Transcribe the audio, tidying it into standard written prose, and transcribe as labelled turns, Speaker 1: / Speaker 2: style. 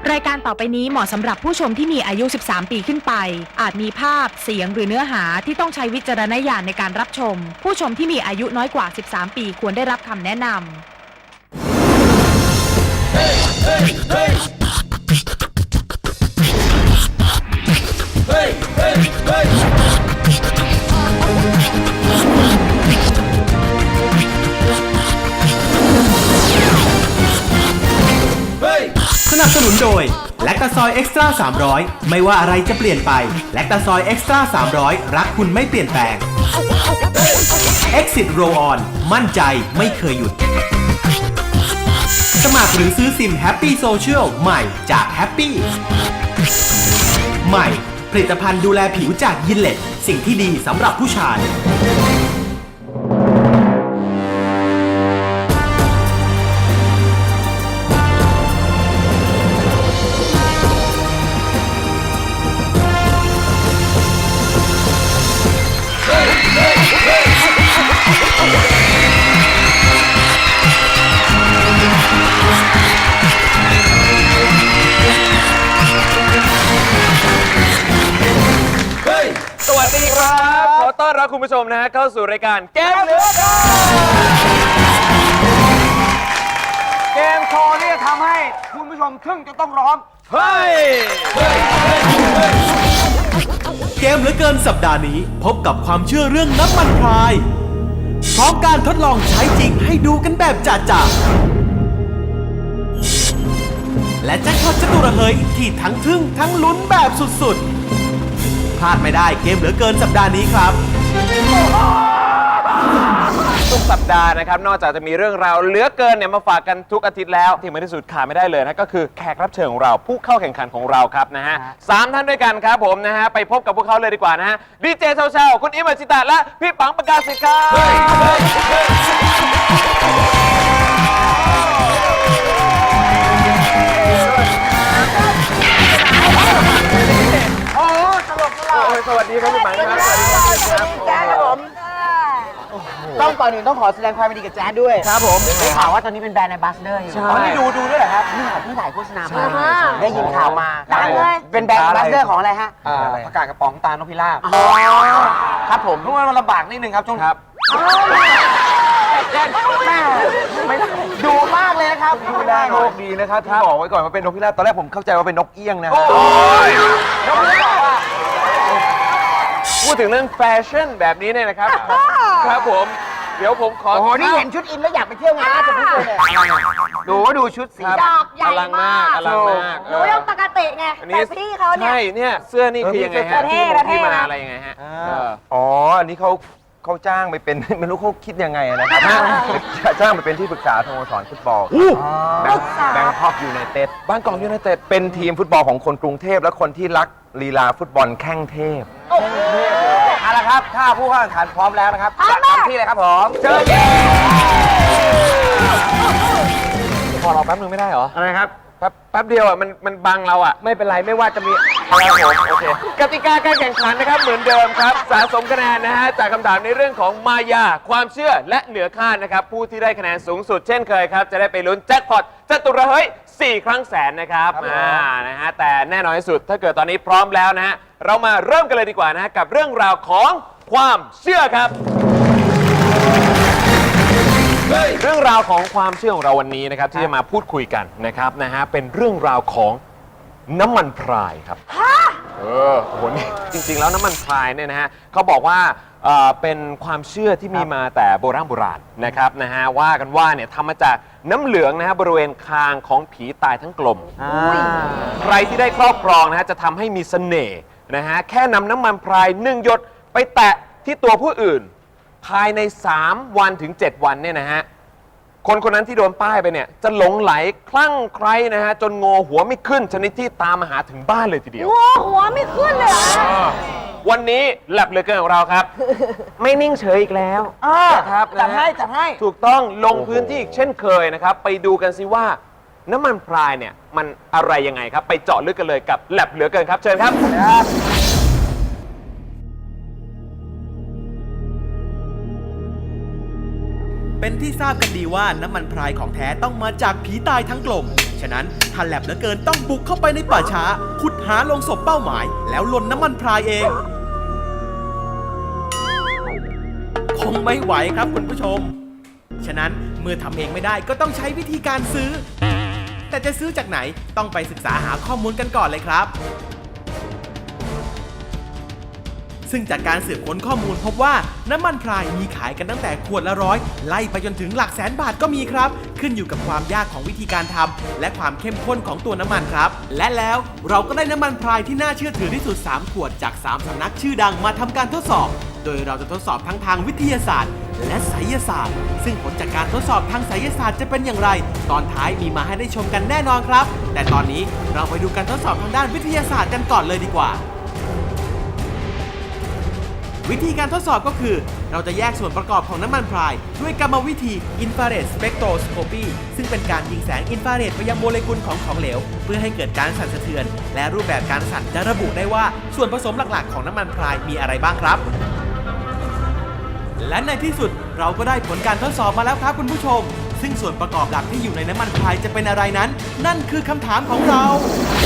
Speaker 1: รายการต่อไปนี้เหมาะสำหรับผู้ชมที่มีอายุ 13 ปีขึ้นไปอาจมีภาพเสียงหรือเนื้อหาที่ต้องใช้วิจารณญาณในการรับชมผู้ชมที่มีอายุน้อยกว่า 13 ปีควรได้รับคำแนะนำ
Speaker 2: สนับสนุนโดยแลคตาซอยเอ็กซ์ตร้า300ไม่ว่าอะไรจะเปลี่ยนไปแลคตาซอยเอ็กซ์ตร้า300รักคุณไม่เปลี่ยนแปลง Exit Roll On มั่นใจไม่เคยหยุดสมัครหรือซื้อซิม Happy Social ใหม่จาก Happy ใหม่ผลิตภัณฑ์ดูแลผิวจากยินเลตสิ่งที่ดีสำหรับผู้ชาย
Speaker 3: สวัสดีครับขอต้อนรับคุณผู้ชมนะฮะเข้าสู่รายการเกมเหลือเกิน
Speaker 4: เกมโชว์นี่จะทำให้คุณผู้ชมทึ่งจะต้องร้อง
Speaker 3: เฮ้ย
Speaker 2: เกมเหลือเกินสัปดาห์นี้พบกับความเชื่อเรื่องน้ำมันพรายพร้อมการทดลองใช้จริงให้ดูกันแบบจ่าๆและแจ็คพอตจตุระเฮยที่ทั้งทึ่งทั้งลุ้นแบบสุดๆพลาดไม่ได้เกมเหลือเกินสัปดาห์นี้ครับ
Speaker 3: ทุกสัปดาห์นะครับนอกจากจะมีเรื่องราวเหลือเกินเนี่ยมาฝากกันทุกอาทิตย์แล้วที่ไม่ที่สุดขาดไม่ได้เลยนะก็คือแขกรับเชิญของเราผู้เข้าแข่งขันของเราครับนะฮะ3 ท่านด้วยกันครับผมนะฮะไปพบกับพวกเขาเลยดีกว่านะฮะดีเจเช้าๆคุณอิมอัชิตะและพี่ปังประกาศสิทธิ์ครับ
Speaker 4: โอ้ตลกตลก
Speaker 3: สวัสดีครับพี่ปังครับสวัสดีครับ
Speaker 4: แจ๊ดครับผมต้องก่อนอื่นต้องขอแสดงความยินดีกับแจ๊ดด้วยครับผมได้ข่าวว่าตอนนี้เป็นแบรนด์แอมบาสเดอร์อยู่อ๋อนี่ดูด้วยเหรอครับนี่ถ่ายโฆษณามาได้ยินข่าวมาเป็นแบรนด์แอมบาสเดอร์ของอะไรฮะประกาศกระป๋องตาลนพพิราบครับผมทุกวันมันลำบากนิดนึงครับช่วงครับดูมากเลยนะครับดูได้โชคดีนะครับที่บอกไว้ก่อนว่าเป็นนกพิราบตอนแรกผมเข้าใจว่าเป็นนกเอี้ยงนะนกพิราบ
Speaker 3: พูดถึงเรื่องแฟชั่นแบบนี้เนี่ยนะครับครับผมเดี๋ยวผมขอ
Speaker 4: โอ้โหนี่เห็นชุดอินแล้วอยากไปเที่ยวงานราชพฤกษ์เลยดูชุดสี
Speaker 5: ดอกใหญ่มาก
Speaker 3: อลังมาก
Speaker 5: หนูยังปกติไงแต่พี่เขาเนี่ย
Speaker 3: ใช่เนี่ยเสื้อนี่คือยังไงฮะ ที่มาอะไรยังไงฮะ
Speaker 6: อ๋อ อันนี้เขาจ้างไปเป็น ไม่รู้เขาคิดยังไงนะครับจ้างไปเป็นที่ปรึกษาสโมสรฟุตบอลแบงคอกยูไนเต็ด
Speaker 3: บางกอกยูไนเต็ด
Speaker 6: เป็นทีมฟุตบอลของคนกรุงเทพและคนที่รักลีลาฟุตบอลแข้งเทพ
Speaker 4: เอาละครับถ้าผู้เข้าแข่งขันพร้อมแล้วนะครับจัดเต็มที่เลยครับผมเชิญ
Speaker 3: พอเราแป๊บนึงไม่ได้เหรอ
Speaker 4: อะไรครับ
Speaker 3: แป๊บเดียวอ่ะมันบังเราอ่ะ
Speaker 4: ไม่เป็นไรไม่ว่าจะมี
Speaker 3: ครับผมโอเคกติกาการแข่งขันนะครับเหมือนเดิมครับสะสมคะแนนนะฮะจากคำถามในเรื่องของมายาความเชื่อและเหนือคาดนะครับผู้ที่ได้คะแนนสูงสุดเช่นเคยครับจะได้ไปลุ้นแจ็คพอตจตุระเฮ้ย4 ครั้งแสนนะครับนะฮะแต่แน่นอนที่สุดถ้าเกิดตอนนี้พร้อมแล้วนะฮะเรามาเริ่มกันเลยดีกว่านะฮะกับเรื่องราวของความเชื่อครับเรื่องราวของความเชื่อของเราวันนี้นะครับที่จะมาพูดคุยกันนะครับนะฮะเป็นเรื่องราวของน้ำมันพรายครับโอ้โหนี่จริงๆแล้วน้ำมันพรายเนี่ยนะฮะเขาบอกว่าเป็นความเชื่อที่มีมาแต่โบราณนะครับนะฮะว่ากันว่าเนี่ยทำมาจากน้ำเหลืองนะฮะบริเวณคางของผีตายทั้งกลมใครที่ได้ครอบครองนะฮะจะทำให้มีเสน่ห์นะฮะแค่นำน้ำมันพราย1 หยดไปแตะที่ตัวผู้อื่นภายใน3 วันถึง 7 วันเนี่ยนะฮะคนนั้นที่โดนป้ายไปเนี่ยจะหลงไหลคลั่งไคล้นะฮะจนงอหัวไม่ขึ้นชนิดที่ตามมาหาถึงบ้านเลยทีเดียว
Speaker 5: งอหัวไม่ขึ้นเลยเหรอ
Speaker 3: วันนี้แลบเหลือเกินของเราครับไม่นิ่งเฉยอีกแล้วครับ
Speaker 4: จัดให้
Speaker 3: ถูกต้องลงพื้นที่อีกเช่นเคยนะครับไปดูกันสิว่าน้ำมันพรายเนี่ยมันอะไรยังไงครับไปเจาะลึกกันเลยกับแลบเหลือเกินครับเชิญครับ
Speaker 2: เป็นที่ทราบกันดีว่าน้ำมันพรายของแท้ต้องมาจากผีตายทั้งกลมฉะนั้นถ้าแลบเหลือเกินต้องบุกเข้าไปในป่าช้าขุดหาลงศพเป้าหมาย แล้วลนน้ำมันพรายเอง คงไม่ไหวครับคุณผู้ชม ฉะนั้นเมื่อทำเองไม่ได้ก็ต้องใช้วิธีการซื้อ แต่จะซื้อจากไหนต้องไปศึกษาหาข้อมูลกันก่อนเลยครับ ซึ่งจากการสืบค้นข้อมูลพบว่าน้ำมันพรายมีขายกันตั้งแต่ขวดละ100ไล่ไปจนถึงหลักแสนบาทก็มีครับ ขึ้นอยู่กับความยากของวิธีการทำและความเข้มข้นของตัวน้ำมันครับ และแล้วเราก็ได้น้ำมันพรายที่น่าเชื่อถือที่สุด3ขวดจาก3สำนักชื่อดังมาทำการทดสอบ โดยเราจะทดสอบทั้งทางวิทยาศาสตร์ และไสยศาสตร์ ซึ่งผลจากการทดสอบทางไสยศาสตร์จะเป็นอย่างไร ตอนท้ายมีมาให้ได้ชมกันแน่นอนครับ แต่ตอนนี้เราไปดูการทดสอบทางด้านวิทยาศาสตร์กันก่อนเลยดีกว่า วิธีการทดสอบก็คือ เราจะแยกส่วนประกอบของน้ำมันพรายด้วยกรรมวิธี Infrared Spectroscopy ซึ่งเป็นการยิงแสงอินฟราเรดไปยังโมเลกุลของของเหลว เพื่อให้เกิดการสั่นสะเทือน และรูปแบบการสั่นจะระบุได้ว่าส่วนผสมหลักๆของน้ำมันพรายมีอะไรบ้างครับ และในที่สุดเราก็ได้ผลการทดสอบมาแล้วครับคุณผู้ชม ซึ่งส่วนประกอบหลักที่อยู่ในน้ำมันพรายจะเป็นอะไรนั้น นั่นคือคำถามของเรา